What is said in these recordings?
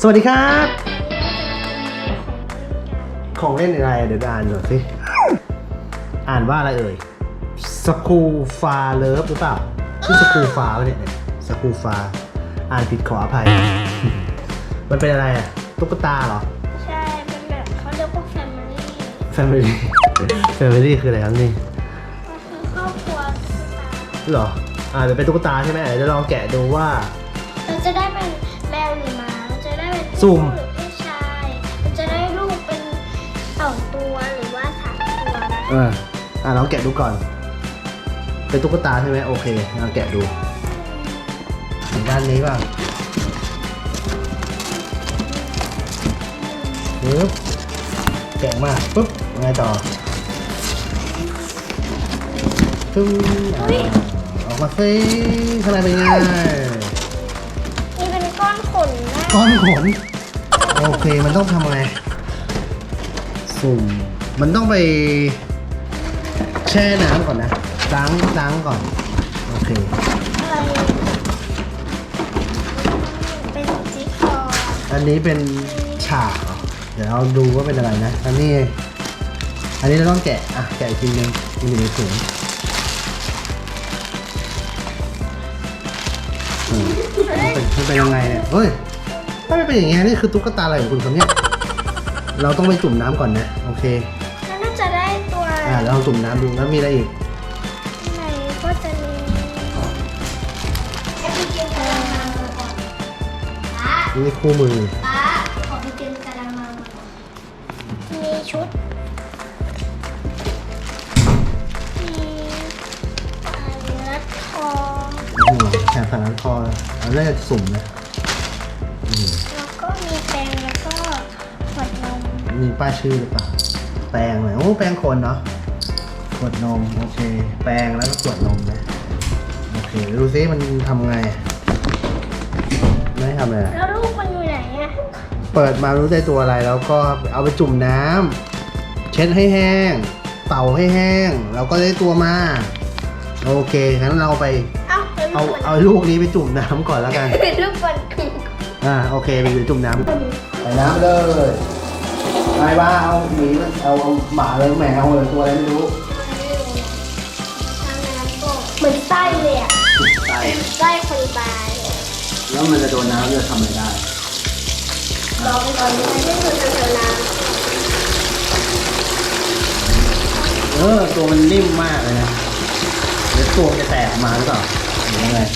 สวัสดีครับของเล่นอะไรเดี๋ยวอ่านหน่อยสิอ่านว่าอะไรเอ่ยสกูฟาเลิฟหรือเปล่าชื่อสกูฟาเนี่ยสกูฟาอ่านผิดขออภัย มันเป็นอะไรอะตุ๊กตาเหรอใช่เป็นแบบเขาเรียกว่าแฟมิลี่แฟมิลี่ แฟมิลี่คืออะไรครับนี่ก็คือครอบครัวตุ๊กตาเหรอเดี๋ยวเป็นตุ๊กตาใช่ไหมเดี๋ยวลองแกะดูว่าเราจะได้เป็นแมวหรือหมาเราจะได้เป็นสุ่มหรือผู้ชายเราจะได้ลูกเป็น2 ตัวหรือว่า3 ตัวนะลองแกะดูก่อนเป็นตุ๊กตาใช่ไหมโอเคลองแกะดูด้านนี้ป่ะปึ๊บแกะมาปึ๊บยังไงต่อตึ้งออกมาสิข้างในเป็นไงนี่เป็นก้อนขนนะก้อนขนโอเคมันต้องทำไงสุ่มมันต้องไปแช่น้ำก่อนนะล้างก่อนโอเคอะไรเป็นจิ๊กซอว์อันนี้เป็นฉากเหรอเดี๋ยวเราดูว่าเป็นอะไรนะอันนี้เราต้องแกะแกะอีกทีนึงมันอยู่ในถุงมันเป็นยังไงเนี่ยเฮ้ยถ้าไม่เป็นอย่างเงี้ยนี่คือตุ๊กตาอะไรของคุณครับเนี่ยเราต้องไปจุ่มน้ำก่อนนะโอเคแล้วน่าจะได้ตัวเราจุ่มน้ำดูแล้วมีอะไรอีกไหนก็จะมีแอปพลิเคชันนี่คู่มือขอไปเตรียมกระมังมีชุดมีรัดคอแถมสารคออันแรกจะสุ่มนะแล้วก็มีแปรงแล้วก็ขวดนมมีป้ายชื่อหรือเปล่าแปรงเลยโอ้แปรงคนเนาะขวดนมโอเคแปรงแล้วก็ขวดนมนะโอเคดูซิมันทำไงไม่ทำอะไรแล้วลูกมันอยู่ไหนอะเปิดมารู้ได้ตัวอะไรแล้วก็เอาไปจุ่มน้ำเช็ดให้แห้งเป่าให้แห้งแล้วก็ได้ตัวมาโอเคงั้นเราไปเอาลูกนี้ไปจุ่มน้ำก่อนแล้วกันลูกบอลโอเคไปจุ่มน้ำใส่น้ำเลยไม่ว่าเอาหมีเอาหมาเลยแมวเลยตัวอะไรไม่รู้เหมือนไส้เลยอะไส้คนตายแล้วมันจะโดนน้ำจะทำอะไรได้ลองก่อนไม่ได้คือเจอน้ำตัวมันนิ่มมากเลยนะเดี๋ยวตัวจะแตกออกมาหรือเปล่าหรือยังไง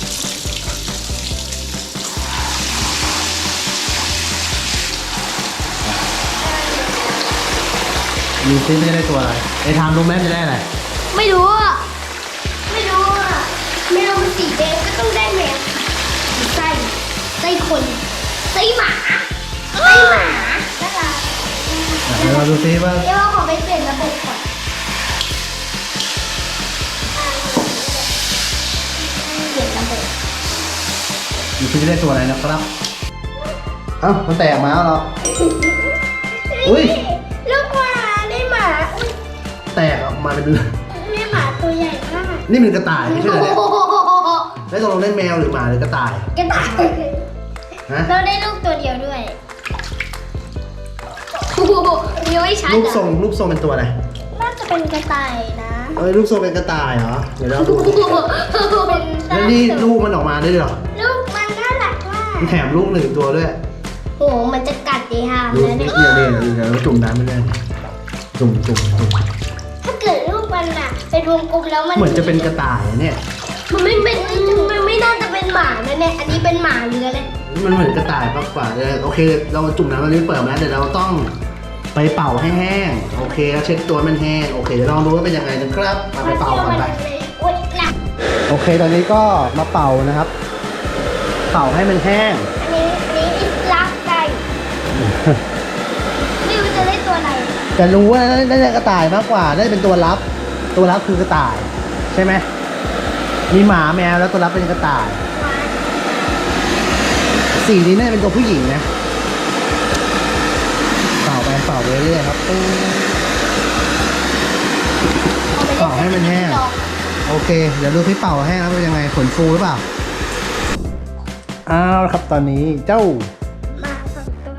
มีซิจะได้ตัวอะไรไอ้ทางรู้ไหมจะได้อะไรไม่รู้อะแมวมันสีแดงก็ต้องได้แมวไส้คนไส้หมาน่ารักเดี๋ยวเราดูซิว่าเดี๋ยวเราขอไปเปลี่ยนระบบก่อนเปลี่ยนระบบมีซิจะได้ตัวอะไรนะครับมันแตกมาแล้วเหรออุ้ยลูกหมาได้หมาแตกออกมาเป็นได้หมาตัวใหญ่มากนี่มันกระต่ายไม่ใช่เหรอเนี่ยได้ตกลงได้แมวหรือหมาหรือกระต่ายเราได้ลูกตัวเดียวด้วยยังไม่ชัดรูปทรงเป็นตัวอะไรน่าจะเป็นกระต่ายนะรูปทรงเป็นกระต่ายเหรอเดี๋ยวเราดูแล้วนี่ลูกมันออกมาได้เหรอลูกมันน่ารักมากแถมลูก1 ตัวด้วยโอ้มันจะกัดดีฮะนะเนี่ยเดี๋ยวจุ่มน้ำไปเลยจุ่มถ้าเกิดลูกมันอะเป็นวงกลมแล้วมันเหมือนจะเป็นกระต่ายเนี่ยมันไม่น่าจะเป็นหมานะเนี่ยอันนี้เป็นหมาเรือเลยมันเหมือนกระต่ายมากกว่าโอเคเราจุ่มน้ำมันนี้เปิดมาเดี๋ยวเราต้องไปเป่าให้แห้งโอเคแล้วเช็ดตัวมันแห้งโอเคเดี๋ยวลองดูว่าเป็นยังไงนะครับมาไปเป่าก่อนไปโอเคตอนนี้ก็มาเป่านะครับเป่าให้มันแห้งอันนี้รักไก่ไม่รู้จะได้ตัวไหนแต่รู้ว่าได้กระต่ายมากกว่าได้เป็นตัวรับคือกระต่ายใช่ไหมมีหมาแมวแล้วตัวรับเป็นกระต่ายสีนี้น่าจะเป็นตัวผู้หญิงนะเป่าไปเรื่อยๆครับเป่าให้มันแห้งโอเคเดี๋ยวดูที่เป่าแห้งแล้วเป็นยังไงขนฟูหรือเปล่าครับตอนนี้เจ้าหมา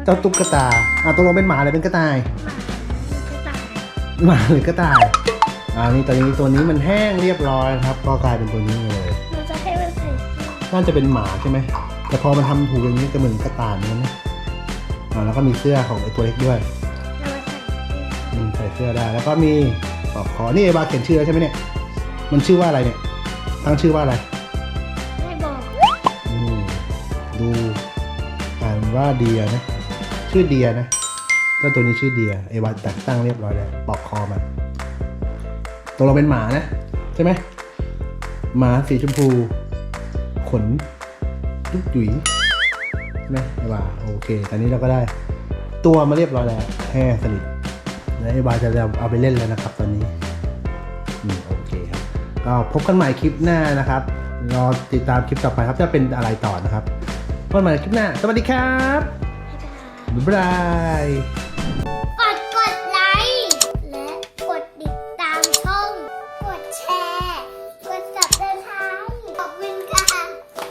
เจ้าตุ๊กตาตกลงเป็นหมาหรือเป็นกระต่ายกระต่ายหมาหรือกระต่ายนี่ตอนนี้ตัวนี้มันแห้งเรียบร้อยครับก็กลายเป็นตัวนี้เลยเราจะให้มันใส่เสื้อน่าจะเป็นหมาใช่ไหมแต่พอมันทำถูกอย่างนี้จะเหมือนกระต่ายเหมือนกันนะแล้วก็มีเสื้อของไอ้ตัวเล็กด้วยเรามาใส่เสื้อใส่เสื้อได้แล้วก็มีปลอกคอนี่ไอ้บาเขียนชื่อแล้วใช่ไหมเนี่ยมันชื่อว่าอะไรเนี่ยตั้งชื่อว่าอะไรไม่บอกดูอ่านว่าเดียนะชื่อเดียนะเจ้าตัวนี้ชื่อเดียไอ้บาแต่ตั้งเรียบร้อยแล้วปลอกคอมันตัวเราเป็นหมานะใช่ไหมหมาสีชมพูขนจุ๊กจุ๋ยใช่ไหมไอ้บาโอเคตอนนี้เราก็ได้ตัวมาเรียบร้อยแล้วแห้งสนิทแล้วไอ้บาจะเอาไปเล่นแล้วนะครับตอนนี้โอเคครับก็พบกันใหม่คลิปหน้านะครับรอติดตามคลิปต่อไปครับจะเป็นอะไรต่อนะครับพบกันใหม่คลิปหน้าสวัสดีครับบ๊ายบาย